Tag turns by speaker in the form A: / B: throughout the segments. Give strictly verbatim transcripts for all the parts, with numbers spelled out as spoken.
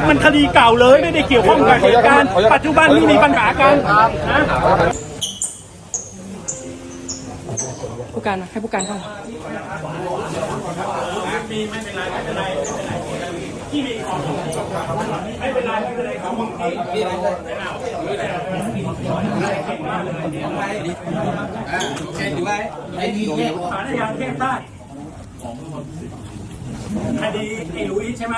A: มันคดีเก่าเลยไม่ได้เกี่ยวข้องกับเหตุการณ์ปัจจุบันที่มีปัญหากันนะ
B: ผู้การให้ผู้การเข้า
A: มีไม่เป็นไรไม่เป็นไรที่มีของไม่เป็นไรไม่เป็นไรของมึงที่เช่นอยู่ไว้ไอ้ที่เทพสารยาเทพได้คดีไอ้ลุยใช่ไหม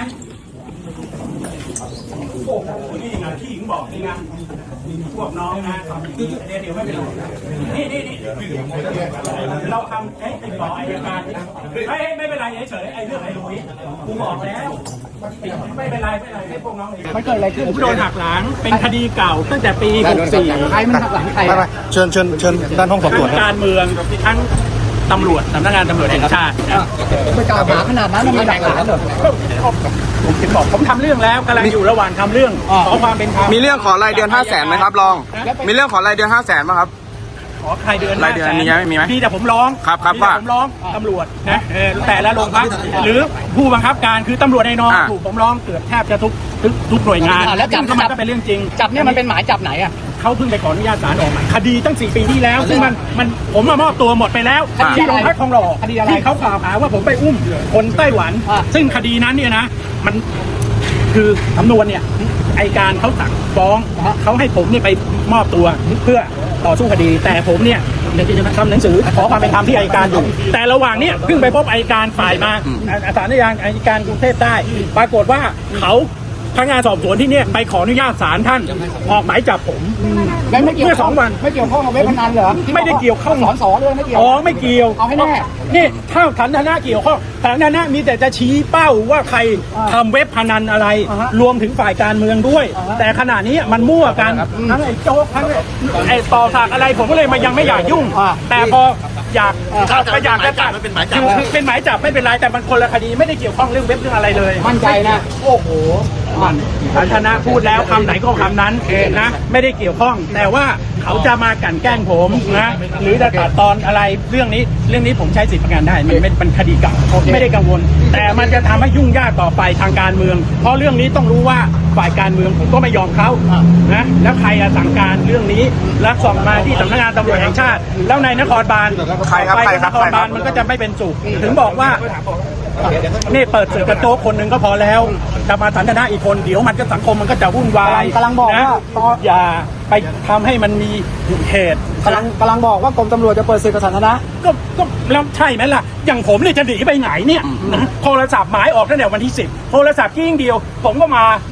A: โอ้โหนี่ไงที่หญิงบอกนี่ไงพวกน้องนะเดี๋ยวเดี๋ยวไม่เป็นไรนี่นี่นี่เราทำให้ติดต่ออัยการไม่ไม่เป็นไรเฉยไอ้เรื่องไอ้ลุยกูบอกแล้วไม่เป็นไรไม่เป็นไรให้พวกน้องมันเกิดอะไรขึ้นผมโดนหักหลังเป็นคดีเก่าตั้งแต่ปีหกสี่ใครมันหักหลังใคร
C: เชิญเชิญเชิญด้านห้องสอบสวน
A: ทั้งการเมืองทั้งตำรวจสำนักงานตำรวจแห่งชาติ
B: ไปกล่าวหาขนาดนั้นมันมีหลักฐานเหรอ
A: ผมถึงบอกผมทำเรื่องแล้วกำลังอยู่ระหว่างทำเรื่องขอความเป็นธรรม
C: มีเรื่องขอรายเดือนห้าแสนไหมครับรองมีเรื่องขอรายเดือนห้าแสนไหมครับ
A: ขอใครเดือน
C: รายเดือนมีไหมมีไหม
A: มีแต่ผมร้อง
C: ครับครับ
A: ว่าผมร้องตำรวจนะแต่ละโรงพักหรือผู้บังคับการคือตำรวจในนองถูกผมร้องเกือบแทบจะทุกทุกหน่วยงาน
B: แล้วจับ
A: มันก็เป็นเรื่องจริง
B: จับเนี่ยมันเป็นหมายจับไหนอ่ะ
A: เขาเพิ่งไปขออนุญาตศาลออกหมายคดีตั้งสี่ปีที่แล้วซึ่งมันมันผมมามอบตัวหมดไปแล้วที่โรงพักทองหล่อที่เขากล่าวหาว่าผมไปอุ้มคนไต้หวันซึ่งคดีนั้นเนี่ยนะมันคือสำนวนเนี่ยอัยการเขาสั่งฟ้องเขาให้ผมเนี่ยไปมอบตัวเพื่อต่อสู้คดีแต่ผมเนี่ยทำหนังสือขอความเป็นธรรมที่อัยการอยู่แต่ระหว่างเนี้ยเพิ่งไปพบอัยการฝ่ายมาศาลยางอัยการกรุงเทพใต้ปรากฏว่าเขาพนักงานสอบสวนที่เนี่ยไปขออนุญาตศาลท่านออกหมายจับผมเมื่อสองวัน
B: ไม่เกี่ยวข้องกับเว็บพนันเหรอ
A: ไม่ได้เกี่ยวข้อง
B: สอนสอนเลยไม่เกี่ยว
A: อ๋อไม่เกี่ยว
B: เอาให้แน่
A: นี่ถ้าฐานะเกี่ยวข้องฐานะมีแต่จะชี้เป้าว่าใครทำเว็บพนันอะไรรวมถึงฝ่ายการเมืองด้วยแต่ขณะนี้มันมั่วกันทั้งไอ้โจ๊กทั้งไอ้ต่อสากอะไรผมก็เลยมายังไม่อยากยุ่งแต่พออยากไปอยากจะจับเป็นหมายจับเป็นหมายจับไม่เป็นไรแต่มันคนละคดีไม่ได้เกี่ยวข้องเรื่องเว็บเรื่องอะไรเลย
B: มั่นใจนะโอ้โห
A: มันฐานะพูดแล้วคำไหนก็คำนั้นนะไม่ได้เกี่ยวข้องแต่ว่าเขาจะมากลั่นแกล้งผมนะหรือจะตัดตอนอะไรเรื่องนี้เรื่องนี้ผมใช้สิทธิประกันได้มันเป็นคดีเก่าไม่ได้กังวลแต่มันจะทำให้ยุ่งยากต่อไปทางการเมืองเพราะเรื่องนี้ต้องรู้ว่าฝ่ายการเมืองผมก็ไม่ยอมเขานะแล้วใครสั่งการเรื่องนี้แล้วส่งมาที่สำนักงานตำรวจแห่งชาติแล้วในนครบาลไปนครบาลมันก็จะไม่เป็นสุขถึงบอกว่านี่เปิดสื่อกระโต๊ะคนหนึ่งก็พอแล้วจะมาสันทนาอีกคนเดี๋ยวมันก็สังคมมันก็จะวุ่นวาย
B: กำลังบอกว่า
A: อย่าไปทำให้มันมีเหตุ
B: กำลังกำลังบอกว่ากรมตำรวจจะเปิดสื่อสาธารณะ
A: ก็ก็แล้วใช่ไหมล่ะอย่างผมเนี่ยจะหนีไปไหนเนี่ยโทรศัพท์หมายออกตั้งแต่วันที่สิบโทรศัพท์กิ้งเดียวผมก็มา